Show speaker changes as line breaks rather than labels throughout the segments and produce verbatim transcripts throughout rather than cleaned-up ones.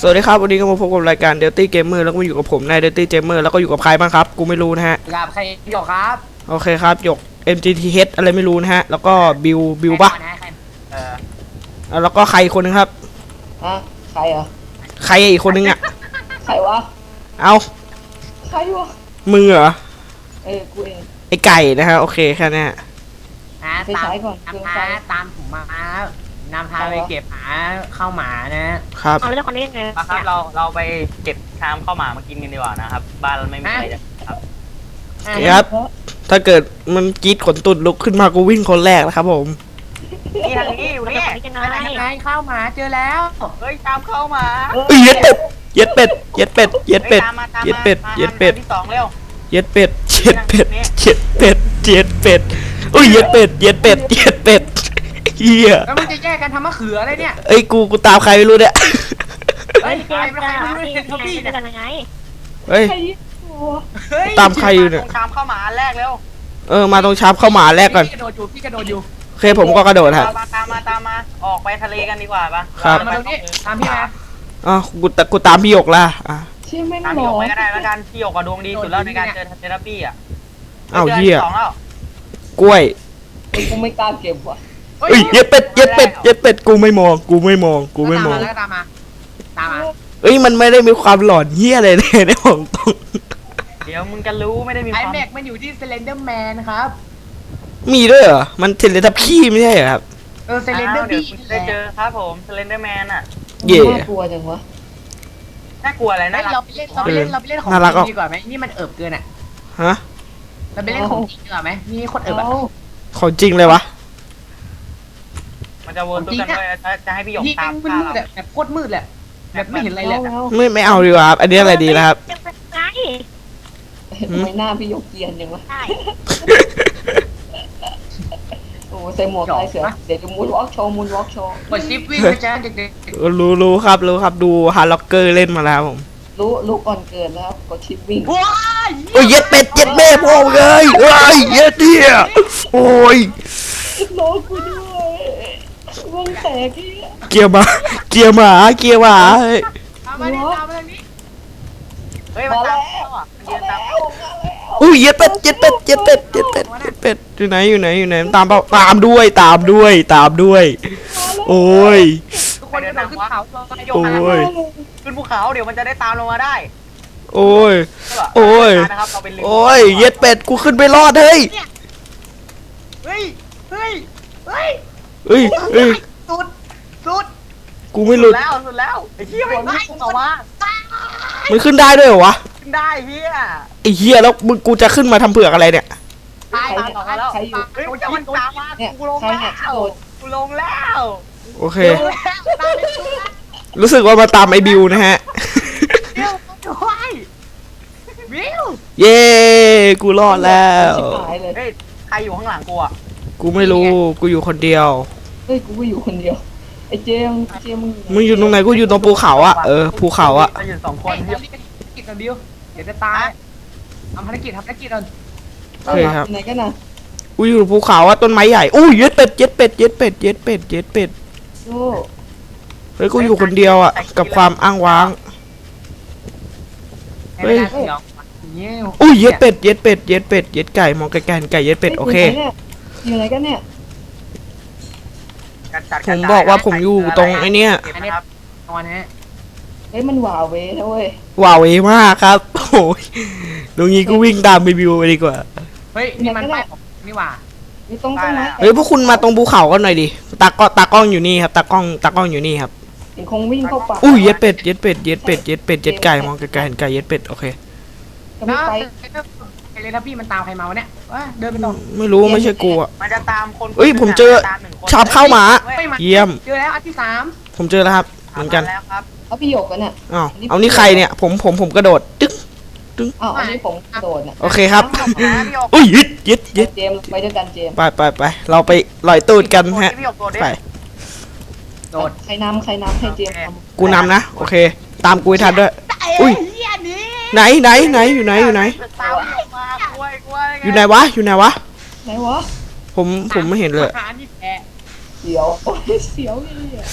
สวัสดีครับวันนี้ก็มาพบกับรายการ Dirty Gamer แล้วก็มาอยู่กับผมนาย Dirty Gamer แล้วก็อยู่กับใครบ้างครับกูไม่รู้นะฮะ
กับใครหยกครับ
โอเคครับหยก เอ็ม จี ที เอช อะไรไม่รู้นะฮะแล้วก็บิวบิวปะ
เอ
อแล้วก็ใครอีกคนนึงครับ
ฮะใครเหรอ
ใครอีกคนนึงอ่ะ
ใครวะ
เอา
ใครวะ
มือเหรอ
เออกูเอง
ไอไก่นะฮะโอเคแค่นี้
ฮะตามตามพาตามผมมานำพาไปเก็บหาข้าวหมานะครับ
เอา
เรื่องคนนี้ไง
ครับเราเราไปเก็บชามข้าวหมามากินกันดีกว่านะครับบ้านเราไม่มีอะไรครับ
ครับถ้าเกิดมันกรีดขนตุดลุกขึ้นมากูวิ่งคนแรกนะครับผม
นี่ทางนี้อยู่นี่
ไงข้าวหมาเจอแล้ว
เฮ้ยชามข้าวหมา
เอ้ยเย็ดเป็ดเย็ดเป็ดเย็ดเป็ดเย็ดเป็ดเย็ดเป็ดเย็ดเป็ด
ที่สองเร็ว
เย็ดเป็ดเย็ดเป็ดเย็ดเป็ดเย็ดเป็ดอุ้ยเย็ดเป็ดเย็ดเป็ดเย็ดเป็ดเฮีย
แล้วมึงจะแยกกันทำมะเขืออะไรเนี่ย
เอ้ยกูกูตามใครไม่รู้เนี่ย
เฮ้ยใครไม่ใครไม่เห็นเขาพี่เนี่ย
ยังไง
เฮ้ยตามใครอยู่เนี่ย
ชามข้าวหมาแรกเร็ว
เออมาตรงชามข้าวหมาแรกก่อน
พี่กระโดดอยู่พี่กระโดดอยู่
โอเคผมก็กระโดดครับ
ตามมาตามมาออกไปทะเลกันดีกว่าปะ
ครับ
มาตรงนี้ตามพี่มา
อ๋อกูกูตามพี่หยกละอ่ะ
ชื่อแม่ง
ตาม
หม
พี่หย
อก
ไปก็ได้แล้วกันพี่หยกกับดวงดีสุดแล้วในการเจอเทอราปี้อ่ะ
อ้าวเหี้ย
สองแล้ว
กล้วย
กูไม่กล้าเก็บว่ะ
เอ้ยเย็ดเป็ดเย็ดเป็ดเย็ดเป็ดกูไม่มองกูไม่มองกูไม่มอง
แล้วตามมาตามมา
เอ้ยมันไม่ได้มีความหลอนเหี้ยอะไรเลยในของตรง
เดี๋ยวมึงจะรู้ไม่ได้มีค
วามไอ
แ
ม็กมันอยู่ที่เซเลนเดอร์แมนครับ
มีด้วยเหรอมันเทเลทัพพี่ไม่ใช่เหรอครับ
เออเซเลนเดอร์บี้
ได้เจอครับผมเซเลนเดอร์แมนอ่ะ
เย่
น่ากลัวจังวะ
น่ากลัวอะไรนะ
เราไปเล่นเราไปเล่นเราไปเล่นของจริงดีกว่าไหมนี่มันเอิบเกินอ่ะ
ฮะ
เราไปเล่นของจริงดีกว่าไหมนี่คนเอิบอ่ะ
ของจริงเลยวะ
มันจะวนตู้กันด้วยจะให้พี่หยกตาม
มืดแบบโคตรมืดแหละแบบไม่เห็นอะไรเลย
ไม่ไม่เอาดีกว่าครับอันนี้อะไรดีนะครับ
ทำไมหน้าพี่ยกเกียนจังวะโอ้ใส่หมวกลายเสือเดี๋ยวจะมูนวอล์กโชว์มูนวอล์กโชว์
กดชิปวิ่งไปจ้าเด็ก
ๆรู้รู้ครับรู้ครับดูฮาร์ล็อกเกอร์เล่นมาแล้วผม
รู้รู้ก่อนเกิดแล้วกดชิปวิ่ง
ว้าย
โอ้ยเย็ดเป็ดเย็ดแม่พ่อเลยเอ้ยเย็ดเนี่ยโอ้ย
โลกูด้วยวงแตกที่
เกียร์มาเกียร์หมาเกียร์หมาเฮ้ย
ตามมาดิตามมาทางนี้
เฮ้ยมาแล้วยืนตาม
อุ้ยเย็ดเป็ดเย็ดเป็ดเย็ดเป็ดเย็ดเป็ดเย็ดเป็ดอยู่ไหนอยู่ไหนอยู่ไหนตามเปล่าตามด้วยตามด้วยตามด้วยโอ้ย
ทุกคนเดินขึ้นเขา
โอ้ย
ขึ้นภูเขาเดี๋ยวมันจะได้ตามลงมาได้
โอ้ยโอ้ยโอ้ยเย็ดเป็ดกูขึ้นไปรอดเฮ้ย
เฮ้ยเฮ้ยเฮ้ย
เฮ้ยเฮ้ย
สุดสุด
กูไม่หลุด
แล้วสุดแล้วไอ้เหี้ยไม่ได้ออกมา
มันขึ้นได้ด้วยเหรอวะ
ขึ้นได้เหี้ย
ไอ้เหี้ยแล้วมึงกูจะขึ้นมาทำเผือกอะไรเนี่ย
ตายตายแล้ว
ใครอยู่
เฮ้ยมันตามมากูลงแล้วกูลงแล้ว
โอเครู้สึกว่ามาตามไอ้บิวนะฮะ
บิว
เย้กูรอดแล้ว
เฮ้ยใครอยู่ข้างหลังกูอ่ะ
กูไม่รู้กูอยู่คนเดียว
เฮ้ยกูก็อยู่คนเดียวไอ้เจมเจมมึง
มึงอยู่ตรงไหนกูอยู่ตรงภูเขาอ่ะเออภูเขาอ่ะ
อยู่สองคน
เดี๋ยวกิจกันบิวเดี๋ยวจะตายทำภารกิจทำภารกิจก่อน
โอเคครับ
ไหนกันนะ
กูอยู่ภูเขาอ่ะต้นไม้ใหญ่อู้เย็ดเป็ดเย็ดเป็ดเย็ดเป็ดเย็ดเป็ดเย็ดเป็ด
โอ้
เฮ้ยกูอยู่คนเดียวอ่ะกับความอ้างว้าง
เฮ้ย
อู้เย็ดเป็ดเย็ดเป็ดเย็ดเป็ดเย็ดไก่มองไกลๆไก่เย็ดเป็ดโอเค
อยู่ไหนกันเนี่ย
ผมบอกว่าผมอยู่ตรงไอ้นี่
อันนี้ตอนนี้
เฮ้ยมันหวาเว้นะเว้ย
หวาเวมากครับโอ้ยตรงนี้ก็วิ่งตามไปบิวไปดีกว่า
เฮ้ยนี่มันป้ายนี่หว่า
นี่ตรงต้นไม้
เฮ้ยพวกคุณมาตรงภูเขากันหน่อยดิตากล้องตากล้องอยู่นี่ครับตากล้องตากล้องอยู่นี่ครับ
คงวิ่งเข้าป่า
อุ้ยเย็ดเป็ดเย็ดเป็ดเย็ดเป็ดเย็ดเป็ดเย็ดไก่มองไกลๆเห็นไก่เย็ดเป็ดโอเค
นะไอ้เลยนะพี่มันตามใครมาวะเนี่ยว่าเดินไปตรง
ไม่รู้ไม่ใช่กูอ่ะ
มันจะตามคน
เฮ้ยผมเจอชาบเข้าหมาเยี่ยม
เจอแล้วอันที่สาม
ผมเจอแล้วครับเหมือนกัน
เอาพี่หยกกันเนี่ย
อ้าวเอานี่ใครเนี่ยผมผมผมกระโดดตึ๊ก
ตึ๊กอ้าวอันนี้ผมกระโดดเนี่ย
โอเคครับอุ้ยยึดยึดยึด
เจมไปด้วยกันเจม
ไปไปไปเราไปลอยตูดกันฮะไป
โดด
ใครนำใครนำให้เจม
กูนำนะโอเคตามกูให้ทันด้วยอุ้ยไหนไหนไหนอยู่ไหนอยู่ไหนอยู่ไหนวะอยู่ไหนวะ
ไหนวะ
ผมผมไม่เห็นเลย
เสียวเสียวเลย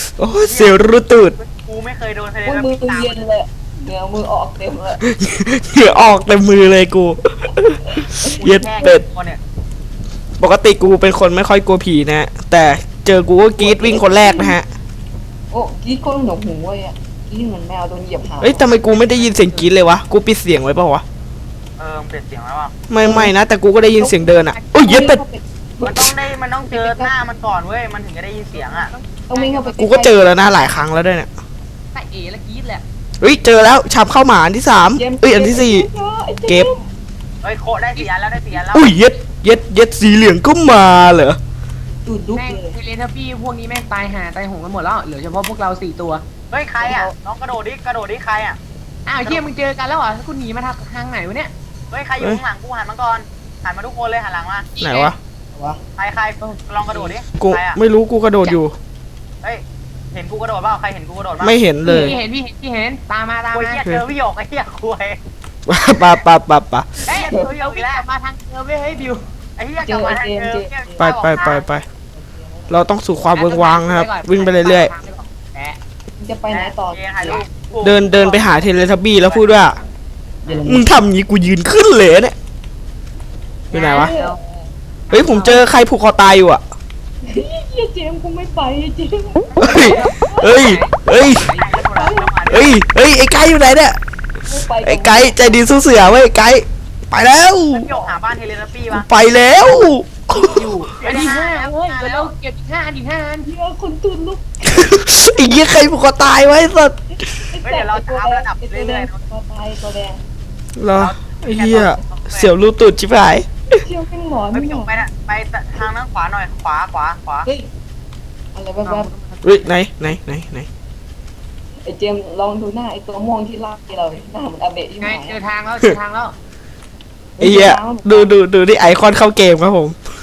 โอ้ยเสียวรูตูด
กูไม่เคยโดนทะเล
อุ้ย
น้ำ
มือ
ตาม
เย็นเลยเหงื่อมือออกเต็มเลย
เหงื่อออกเต็มมือเลยกู เย็ด
แค่
เป็ด
ตัวเนี่ย
ปกติกูเป็นคนไม่ค่อยกลัวผีนะ แต่เจอกูก็กรี๊ดวิ่งคนแรกนะฮะ
โอ้กรีดก้นหนวกหูเว้ยอ่ะกรีดเหมือนแมวโดนเหยียบหาง
เอ้ยทำไมกูไม่ได้ยินเสียงกรี๊ดเลยวะ กูปิดเสียงไว้เปล่าวะ
เออมันเปลี่ยนเสียงแล้วอ่ะ
ไม่ไม่นะ แต่กูก็ได้ยินเสียงเดินอ่ะโอ้ยเย็ดเป็ด
มันต้องได้มันต้องเจอหน้ามันก่อนเว้ยมันถึงจะได้ยินเสียงอ่ะ
ต้องวิ่งเข้าไป
กูก็เจอแล้วนะหลายครั้งแล้วด้วยเนี่ย
ใส่เอแล้วกรีดแหละ
เฮ้ยเจอแล้วชามเข้าหมาอันที่สาม
จมส์
เอ้ยอันที่สี่ เก็บ
เฮ้ยโคได้สี่อันแล้วได้สี่อันแล้ว
อุ้ยเย็ดเย็ดเย็ดสีเหลืองก็มาเหรอ
ดูดลุก
แม่ง
เลย
เทเลทับบี้พวกนี้แม่งตายหาตายโหงกันหมดแล้วเหลือเฉพาะพวกเราสี่ตัว
เฮ้ยใครอ่ะน้องกระโดดดิกระโดดดิใครอ่ะ
อ้าวเฮียมึงเจอกันแล้วเหรอคุณหนีมาทางไหนวะเนี่ย
เฮ้ยใครอยู่ข้างหลังกูหันมาก่อนหันมาทุกคนเลยหันหลังมา
ไหนวะ
วะ
ใครใครลองกระโดดดิ
กู
ใครอ่ะ
ไม่รู้กูกระโดดอยู่
เฮ้ยเห็นกูกระโดดเปล่าใครเห็นกูกระโดดบ้าง
ไม่เห็นเลย
พี่เห็นพี่เห็นพี่เห็นตามมาตาม
โอ้ย
มา
เหี้ยเจอพี่หยกไอ้เหี้ยคุย
ปะปะปะปะ
เฮ้ยเดี๋ยวเดี๋ยววิ่งกลับมาทางเดิมเว้ยเฮ้ยบิว
ไอ้เหี้ยกลับมาทางเดิมเนี่ย
ไปไปไปไปเราต้องสู่ความเวิงวางนะครับ วิ่งไปเรื่อย
แอะ
มึงจะไปไหนต่อ
เถ่ายรูป
ๆ เดินเดินไปหาเทเลทับบี้แล้วพูดว่า มึงทำอย่างนี้กูยืนขึ้นเลยเนี่ยอยู่ไหนวะ เฮ้ยผมเจอใครผูกคอตายอยู่อ่ะ
เฮียเจมส์กูไม่ไปเจมส์
เฮ้ย เฮ้ย เฮ้ย เฮ้ย เฮ้ย ไอ้ไก่อยู่ไหนเนี่ย
ไม่ไป
ไอ้ไก่ใจดีสู้เสือเว้ยไก่ไปแล้ว
พี่หยกหาบ้านเทเลทับบี้ปะ
ไปแล้ว
อยู่อันที่ห้าเว้ยเดี๋ยวเราเก็บอีกห้าอันอีกห้าอัน
เฮียคนตื่นลุก
ไอ้เหี้ยใครผูกคอตายไว้สัส
เฮ้ยเดี๋ยวเราจะอัพระดับเรื่อยๆ
ตัวตายตัวแดง
เหรอไอ้เหี้ยเสียวรูตุดชิบหาย
เชี่ยวเป็นหมอน
ไปพี่หยกไปนะไปทางนั้นขวาหน่อยขวาขวาขวา
เฮ้ยอะไรแวบ
เฮ้ยไหนไหนไหนไหน
ๆไอ้เจมส์ลองดูหน้าไอ้ตัวม่วงที่ลากเราหน้าเหมือนอาเบะที่ไห
ไง
น
เจอทางแล้วเจอทางแล้ว
ไอ้เหี้ยดูดูดูที่ไอคอนเข้าเกมครับผม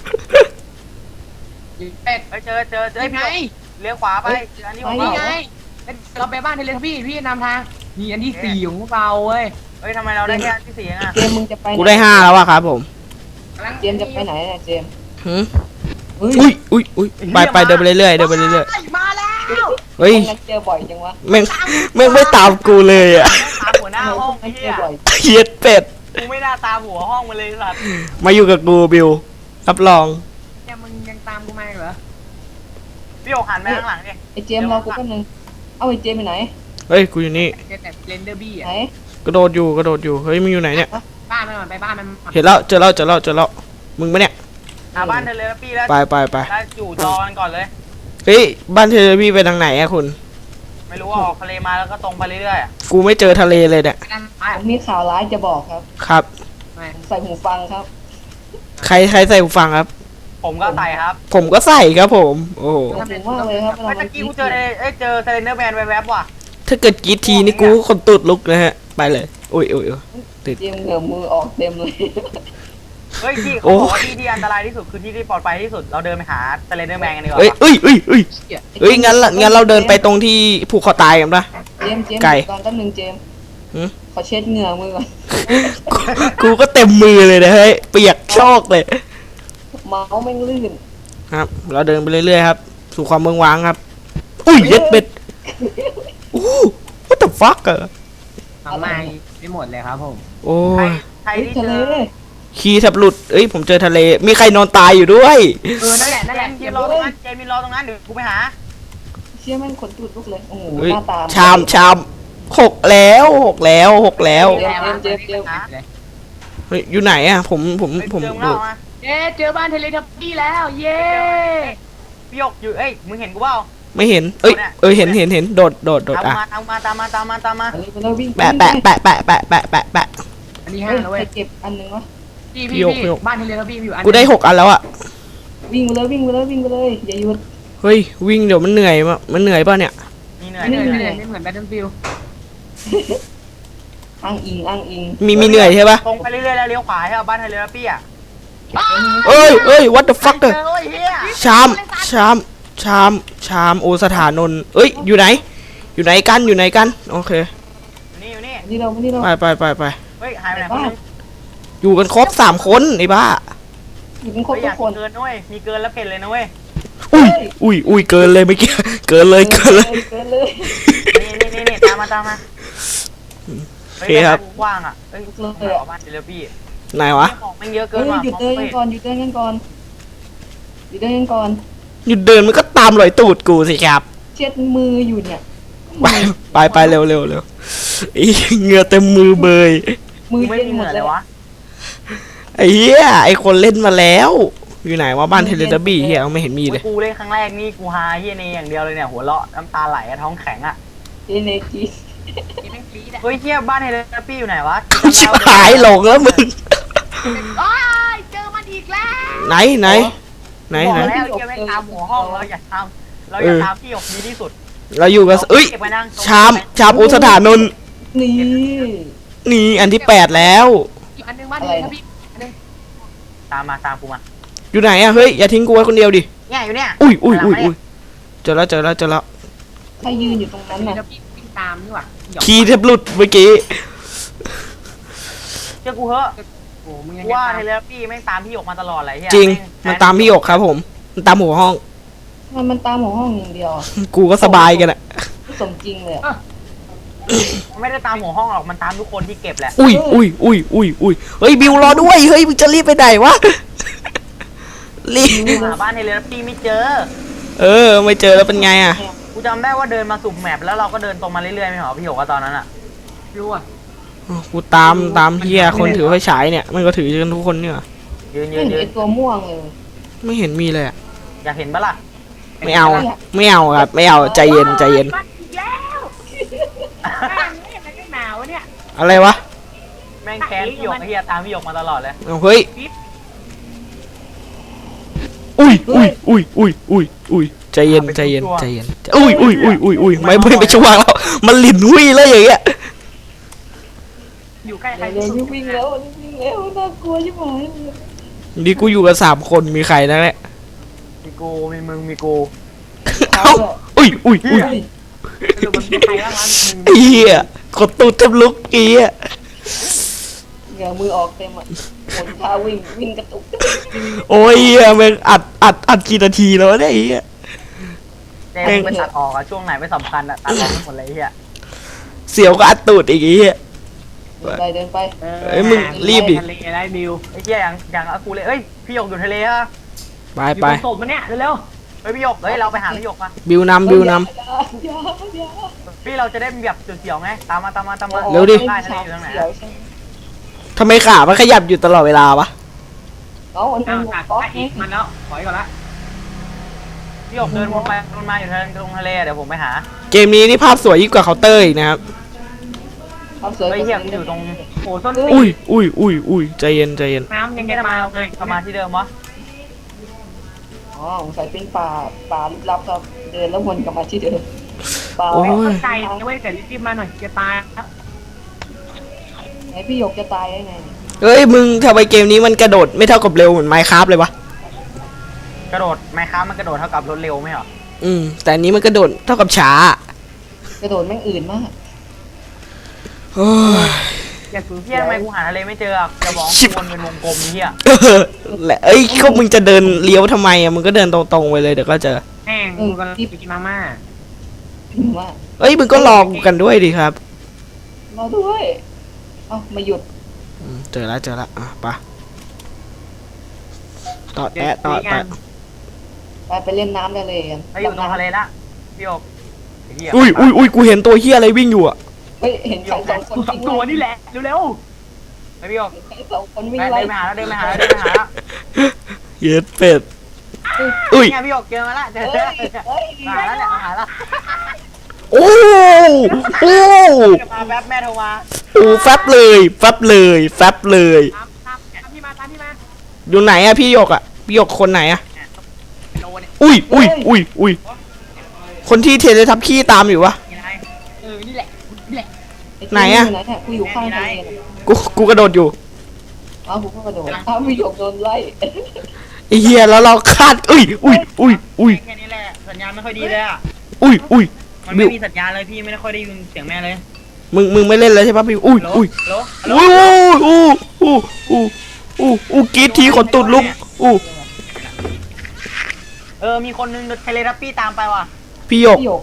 อยู่เป็ด
ไปเจอเจอเจอ
ไอ้
พี่
ไง
หยกเลี้ยวขวาไปเจออันนี้ผม
นี่
เปล่า
ไงเราไปบ้านเทเลทับบี้พี่นำทางนี่อันที่สี่ของพวกเราเว้ย
เฮ้ยทำไมเราได้แค่อันที่สี่เองอ่ะ
เจมส์มึงจะไปหน
กูได้ห้าแล้วอะครับผม
เจมส์จะไปไหนเนี่ยเจมส์
หืม
เฮ้ย
อุ้ยอุ้ยอุ้ยไปไปเดินไปเรื่อยๆเดินไปเรื่อย
มาแล้ว
ๆเฮ้ย
พวกนั้นเจอบ่อยจังวะ
แม่งแม่งไม่ตามกูเลยอะ
ตามหัวหน้า
ทำไม
ห้
พ
อ
ว
ง
ก
ไอ้
นั้นเจ
เหี้
อย บ่อย
เหี้ยเป็ด
กูไม่น่าตามหัวห้องมาเลยสัตว์
มาอยู่กับกูบิวรับรอง
เนี่ยมึงยังตามกูมาเหรอ
พี่หยกหันไปข้างหลังดิ
ไอ้เจมส์รอกูแป๊บนึงเอาไอ้เจมส์ไปไหน
เฮ้ยกูอยู่นี่
เจอแต่เรนเดอร์บี้
ไหน
อ่ะ
กระโดดอยู่กระโดดอยู่เฮ้ยมึงอยู่ไหนเนี่ย
บ้านมันก่อนไปบ้านมัน
เห็นแล้วเจอแล้วเจอแล้วเจอแล้วมึงปะเนี่ย
หาบ้านเทเลทับบี้แล้ว
ไปไปไป
แล้วอยู่จอกันก่อนเลย
เฮ้ยบ้านเทเลพี่ไปทางไหนอะคุณ
ไม่รู้ว่าออกทะเลมาแล้วก็ตรงไปเรื่อยๆอะ
กูไม่เจอทะเลเลยเนี่ย
นั่นไป
ผมมีข่าวร้ายจะบอกครับ
ครับ
ไป
ใส่หูฟังครับ
ใครใครใส่หูฟังครับ
ผมก็ใส่ครับ
ผมก็ใส่ครับผม โอ้โห
ขอบคุณมากเลยครับเวลา
เมื่อกี้กูเจอเอ้ยเจอเซเลนเดอร์แมนแวบๆว่ะ
ถ้าเกิดกรีดทีนี่กูคนตุดลุกนะฮะ ไปเลยอุ้ยอุ้ยอุ้ย
เจมส์เหงื่อมือออกเต็มเลย
เฮ้ยที่
โอ้
เขาบอกว่าที่ที่อันตรายที่สุดคือที่ที่ปลอดภัยที่สุดเราเดินไปหาเซเลนเดอร์แมนกันดีกว่า
เอ้ยเอ้ยเอ้ยเอ้ย
เหี้ย
เอ้ยงั้นละงั้นเราเดินไปตรงที่ผูกคอตายกันปะ
เจมส์เจมส์
ไก่
ตอนแป๊บนึงเจมส์
หืม
ขอเช็ดเหงื่อมือก่อน
กูก็เต็มมือเลยนะเฮ้ยเปียกโชกเลย
เมาส์แม่งลื่น
ครับ เราเดินไปเรื่อยๆครับ สู่ความเมืองว้างครับ อุ้ยเย็ดเป็ดอู้ what the fuck อะ
ทำไมไม่หมดเลยครับผม
โอ้
ใคร
ย
ใคร
เฮ้ย
ที่
ทะ
เจ
เล
อ
ขี้แทบหลุดเอ้ยผมเจอทะเล มีใครนอนตายอยู่ด้วย
เออนั่นแหละนั่นแหละ
เจ
เก็
ม
บ
ส์ร
ร
อ
ถ
ตรงนั้นเจมส์รอตรงนั้นเดี๋ยวกูไปหา
เชี่ยแม่งขนตูดลุกเลยโอ้โห
เฮ้ย
หน้าตา
ชามชามหกแล้วหกแล้วหกแล้ว
เจมส์เจมส์เจมส์
เฮ้ยอยู่ไหนอะผมผม
เฮ้ย
ผม
เจอมึง
ดู
แล้วมา
เย้เจอบ้านเทเลทับบี้แล้ว เย้
พี่หยกอยู่เอ้ยมึงเห็นกูเปล่า
ไม่เห็น เอ้ยเออเห็นเห็นเห็นโดดโดดโดด
ตาม
อ่ะ
มาตามมาตามมาตามมาตามมา
อันนี้ไปแล้ววิ่ง
แปะแปะแปะแปะแปะแปะแปะแปะ
อันนี้
เฮ้
ห้าย แล้ว
ไป
เว้ย
เก็บอันหนึงวะ
พี่
พี่
พี่
โยกพี่
พี่
โยก
บ้านเทเลทับบี้มีอยู่อัน
กูได้หกอันแล้วอะ
วิ่งไปเลยวิ่งไปเลยวิ่งไปเลยอย่าหยุด
เฮ้ยวิ่งเดี๋ยวมันเหนื่อยมะมันเหนื่อยป่ะเนี่ย
มีเหนื่อย
ไม่
เห
เห
นื่
นื่
อ
อย ยไม่เหมือนแบทเทิลฟิล
อ้างอิงอ้างอิง
มีมีเหนื่อยใช่ปะ
ตรงไปเรื่อยๆแล้วเลี้ยวขวาให้เอาบ้านเทเลทับบี้อ่ะ
เอ้ยเอ้ย what the fuck
เจ
อะ
อโอ้ยเฮีย
ชามชามชามชามโอสถานนท์เอ้ยอยู่ไหน อยู่ไหนกันอยู่ไหนกันโอเค
อยู่นี่อยู่นี่
นี่เรานี่เรา
ไปไปไปไป
เฮ้ยหายไปไหนคนนึง
อยู่กันครบสามคนไอ้บ้า
อยู่กันครบ
เฮ้ยอ
ทุ
ย่าก
คน
เกินด้วยมีเกินแล้วเพ่นเลยนะเว้ย
อุ้ยอุ้ยอุ้ยเกินเลยเมื่อกี้เกินเลยเกินเลย
เกินเลย
นี่นี่นี่นี่ตามมาตามมา
โอเคครับ
กว้างอ่ะเอ้ยเลยออกมาเดี๋ยวพี่
ไหนวะ
ของมันเยอะเกิ
เฮ้
น
ย
ว่ะ
หยุดเดินกันก่อนหยุดเดินกันก่อนหยุดเดินกันก่อน
หยุดเดินมันก็ตามรอยตูดกูสิครับ
เช็ดมืออยู่เนี่ย
ไปไปไปเร็วเร็วเร็วไอ้เหงื่อเต็มมือเบย
มือ
ไม่
เย็น
มี
ห
เห
ม
งื่
ด
อ
เล
เลย ยวะ
ไอ้เหี้ยไอ้คนเล่นมาแล้วอยู่ไหนว่าบ้านเทเลทับบี้เฮียไม่เห็นมีเลย
กูเล่นครั้งแรกนี่กูฮาเฮียเนอย่างเดียวเลยเนี่ยหัวเราะน้ำตาไหลท้องแข็งอ่ะ
เอเนกี
เฮ้ยเฮียบ้านเฮเลปี้อยู่ไหนวะ
กูชิบหายหลงแล้วมึง
โอ้ยเจอมันอีกแล้ว
ไหนไหนไหน
บอก
ไหน
แล้วเฮียไม่ตามหัวห้องเราอย่าตามเราอย่าตามพี่หยกดีที่สุด
เราอยู่กับเอ้ย
เก็บไว้นั่ง
ชามชามอุสถานนท์
นี่
นี่อันที่แปดแล้ว
อีกอันหนึงบ้านเลยครับพี่อันหนึง
ตามมาตามกูมา
อยู่ไหนอะเฮ้ยอย่าทิ้งกูไว้คนเดียวดิ
เนี่ยอยู่เนี่ย
อุ้ยอุ้ยอุ้ยอุ้ยเจอแล้วเจอแล้วเจอแล้ว
ใครยืนอยู่ตรงนั้นน่ะ
แล้วพี่วิ่งตามนี่หว่าหยอก
คีย์แทบหลุดเมื่อกี้
เชื่อกูเหอะ
โอ้มึงยัง
ว่า
ตาม
เฮเลปี้แม่งตามพี่หยกมาตลอดเลยเฮีย
จริงมันตามพี่หยกครับผม มันตามหัวห้อง
มันมันตามหัวห้องอย่างเดียวอะ
กูก็สบายกันอะ
สมจริงเลยอะ
มันไม่ได้ตามหัวห้องหรอกมันตามทุกคนที่เก็บแหละ
อุ้ยอุ้ยอุ้ยอุ้ยอุ้ยเฮ้ยบิวรอด้วยเฮ้ยมึงจะรีบไปไหนวะรีบ
กูหาบ้านเฮเลปี้ไม่เจอ
เออไม่เจอแล้วเป็นไงอะ
กูจำได้ว่าเดินมาสุ่มแมปแล้วเราก็เดินตรงมาเรื่อยๆไม่เหรอพี่หยกว่าตอนนั้นอ่ะ
รู้อ่ะ
กูตามตามเฮียคนถือไฟฉายเนี่ยมันก็ถือกันทุกคนเนี่ย
ยืนยื
ไม่
น
เห็น
ยื
ไอน ตัวม่วงเลย
ไม่เห็นมีเลยอะ
อยากเห็นปะล่ะ
ไม่เอาไม่เอาครับไม่เอาใจเย็นใจเย็น
บ้านอีกแล้วแม่งไม่เห็นอะไรหนาวะเนี่ย
อะไรวะ
แม่งแค้นพี่หยกไอ้เฮียตามพี่หยกมาตลอดเลย
เอาเฮ้ยอุ้ยอุ้ยอุ้ยอุ้ยอุ้ยอุ้ยใจเย็นใจเย็นใจเย็นอุ้ยอุ้ยอุ้ยอุ้ยอุ้ยไม่ไม่ไปช่วงแล้วมันหลินหุ้ยเลยอย่างเงี้ย
อยู่ใกล้ใคร
เร็วๆวิ่งแล้ววิ่งแล้วน่ากลัวชิบหายเลย
นี่กูอยู่กับสามคนมีใครนะเนี่ย
มีกูมีมึงมีกู
เอ้าอุ้ยอุ้ยอุ้ย
เฮ้ย
สรุปมันมีใครบ้างวะมึง
ไอ้เหี้ยกดตูดเต็มลุกไอ้เหี้ย
เหงื่อมือออกเต็มอ่ะหนท่าวิ่งวิ่งกระตุก
โอ้ยเหี้ยแม่งอัดอัดอัดกี่นาทีแล้ววะเนี่ยไอ้เหี้ย
เจ๊มึงไปตัดออกอะช่วงไหนไม่สำคัญอะตัดออกหมดเลยไอ้เฮีย
เสียวก็อัดตูดอีกไอ้เหี้ย
เดินไปเดินไป
เอ้ยมึงรีบดิ
ทะเลได้บิว
ไอ้เฮียอย่างอย่างอากูเลยเอ้ยพี่หยกอยู่ทะเลอะ
ไป
อยู่
ไป
บนศพมันเนี่ยเร็ว
เฮ้ยพี่หยกเฮ้ยเราไปหาพี่หยกมา
บิวนำบิวน
อย่าอย่าอย่า
พี่เราจะได้แบบเสียวๆไงตามมาตามมาตามมา
เร็วดิ
ได้ทะเลอยู่ตรงไหน
เดี๋ย
อะ
วใช่ไหม
ๆทำไมขามันขยับอยู่ตลอดเวลาวะ
เอามัน
ๆ
เป็
เอา
น
ตัด
ก๊อก
ไปอี
นี่
กมันแล้วถอยก่อนละ
พี่หยกเดินวนไปวนมาอยู่ทะเลตรงทะเลเดี๋ยวผมไปหา
เกมนี้นี่ภาพสวยยิ่งกว่าเคาน์เตอร์อีกนะครับ
ความสวย
เฮ้ยเฮียมันอยู่ตรง
โอ้ส้นตี
อุ้ยอุ้ยอุ้ยอุ้ยใจเย็นใจเย็น
น้ำยังจะมาเลย
กลับมาที่เดิมวะ
อ๋อสงสัยเป็นป่าป่าลึกลับครับเดินแล้ววนกลับมาที่เดิมป่า
โอ้ย
เข้าใจนะเว้ยแต่รีบๆมาหน่อยจะตายครับ
ไหนพี่หยกจะตายได้ไงเนี่ย
เฮ้ยมึงทำไมเกมนี้มันกระโดดไม่เท่ากับเร็วเหมือนไมค์คราฟเลยวะ
กระโดดไมค์ค้ามันกระโดดเท่ากับรถเร็วไหมเหรอ
อืมแต่อันนี้มันกระโดดเท่ากับช้าก
ระโดดแม่งอื่นมาก
โอ้ย
อย่าสูญ
เฮี
เสี
ย
ย
ทำไมกูหาทะเลไม่เจออะจะบอก
ชิบ
วนเป็นวงกลมนี่เฮีย
เออแหละเอ้ยก็มึงจะเดินเลี้ยวทำไมอ่ะมึงก็เดินตรงๆไปเลยเดี๋ยวก็เจอ
แม่งกูกำลังไปกินมาม่า
พิมพ์ว่า
เอ้ยมึงก็รอกูกันด้วยดิครับ
รอด้วยเอ้ามาหยุด
อืมเจอแล้วเจอแล้วอ่ะไปต่อ
เดี๋ยว
แอะต่อ
คุยกั
แอะ
น
ไปไปเล่นน้ำได้เลยกัน
ไปอยู่ตรงทะเลละพี่หยกไอ้เฮีย
อุ้ยอุ้ยอุ้ยกูเห็นตัวเฮียอะไรวิ่งอยู่อ่ะ
เฮ้ยเห็นใครสองคน
สองตัวนี่แหละเร็ว
ไอ้พี่หยก
เห็นใครสองคนวิ่ง
เดิน
ไล่
ไปหาแล้วเดินไปหาแล้วเดินไปหาแล้ว
เย็ดเป็ดอุ้ย
เนี่ยพี่หยกเจอมาละเจอ
เฮ้
เจอย
เฮ้ย
หาแล้วเนี่ยหาแล้ว
โอ้โอ้
มาแป๊บแม่โทรมา
โอ้แฟบเลยแฟบเลยแฟบเลย
ๆตามตามตามพี่มาตามพี่มา
อยู่ไหนอะพี่หยกอะพี่หยกคนไหนอะ
โลเนี่ย
อุ้ยอุ้ยอุ้ยอุ้ยคนที่เทเลทับขี้ตามอยู่วะ
ยังไงเออนี่แหละนี่แหละ
ไหนอะ
ไหนเนี่ยกูอยู่ข้างทะเลเนี่ย
กูกูกระโดดอยู่
เอ้ากูก็กระโดดเอ้าพี่หยกโดนไล่
ไอ้เฮียแล้วเราคาดอุ้ยอุ้ยอุ้ยอุ้ย
แค่นี้แหละสัญญาณไม่ค่อยดีเลยอ่ะ
อุ้ยอุ้ย
มันไม่มีสัญญาณเลยพี่ไม่ได้ค่อยได้ยินเสียงแม่เลย
มึงมึงไม่เล่นแล้วใช่ปะพี่อุ้ย
ฮัลโหล
อุ้ย
ฮัลโหล
อุ้ยอู้อู้อู้อู้อู้กรีดทีขนตุดลุกอู้
เออมีคนนึงเทเลทับปี้ตามไปว่ะ
พี่หยก
พี่หยก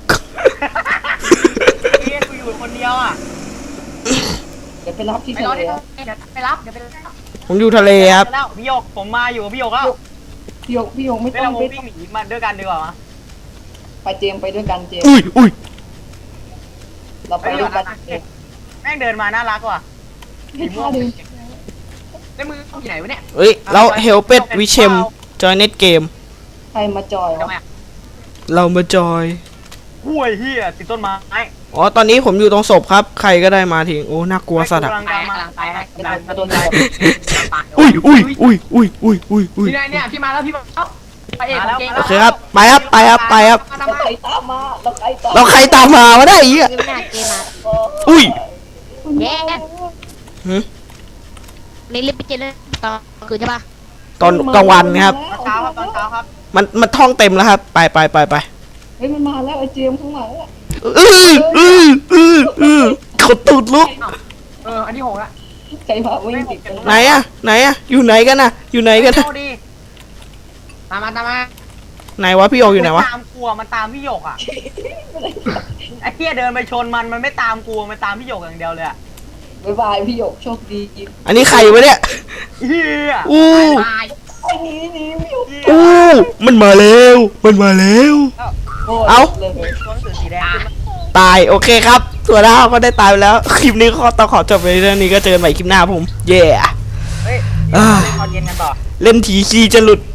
เฮียกูอยู่คนเดียวอ่ะ
เดี๋ยวไปรับที่
ไป
ทะ
รอ
เล
ที่เดี๋ยวไปรับเดี๋ยวไปรับ
ผมอยู่ทะเลครับ
แล้วพี่หยกผมมาอยู่กับพี่หยกแล้ว
พี่หยกพี่หยกไม่
ไม่
ต้อ
เรา
ง
โม
ไป
วิ่งหนีมาด้วยกันดีกว่ามั้ย
ไปเจมส์ไปด้วยกันเจมส์
อุ้ยอุ้ย
เราไปด้วยกันเจมส์
แม่งเดินมาน่ารักว่ะ
ให้ท่าเดิน
แล้วมืออยู่ไหนวะเนี่ย
เฮ้ยเราเฮลเป็ดวิเชมจอยเน็ตเกม
ใครมาจอยวะ
ทำไมอ่ะ
เรามาจอย
ห่วยเฮียติดต้นไม้
อ๋อตอนนี้ผมอยู่ตรงศพครับ ใครก็ได้มาทิ้งโอ้น่ากลัวสัตว์อะ
กำลัง
ไป
ตามมาก
ำลังไป
กำลังจะโดน
อุ้ยอุ้ยอุ้ยอุ้ยอุ้ยอุ้ยอุ้ย
พี่นายเนี่ยพี่มาแล้วพี่มาแล้วไปเอกของเก่ง
โอเคครับไปครับไปครับไปครับ
มา
เรา
ทำไม
ใครตามมาเราใครตาม
เราใครตามมาวะได้อีก
ไม่น่าเกมมา
อุ้ย
เย้
หืม
นี่รีบไปเจอเลยตอนคืนใช่ปะ
ตอนกลางวันครับ
ตอนเช้าครับตอนเช้าครับ
มันมันท่องเต็มแล้วครับ ไปไปไปไป
เฮ้ยมันมาแล้วไอ้เจมส์ข้างหลังอะ
อืออืออืออือเขาตูดลุก
เอออันที่หกละ
ใครพาวิ่งติดกัน
ไหนอะไหนอะอยู่ไหนกันนะอยู่ไหนกันนะ
โทษดี
ตามมาตามมา
ไหนวะพี่โยอยู่ไหนวะ
ตามกลัวมันตามพี่หยกอ่ะไอ้เฮียเดินไปชนมันมันไม่ตามกลัวมันตามพี่หยกอย่างเดียวเลยอ่ะ
บ๊ายบายพี่หยกโชคดี
อันนี้ใครวะเนี่ย
เฮีย
อู้
ตาย
ไอ้นี่นี่พี่หยก
อู้มันมาแล้วมันมาแล้ว
โอ้ย
เอ้า
เลย
ตัวหนังสือสีแดงขึ้นมา
ตายโอเคครับตัวดาวก็ได้ตายไปแล้ว คลิปนี้ก็ต้องขอจบไปเรื่องนี้ก็เจอกันใหม่คลิปหน้าผม เย่
เฮ้ย
อ่า
เล่นตอนเย็นกันต่อ
เล่นทีคีจะหลุด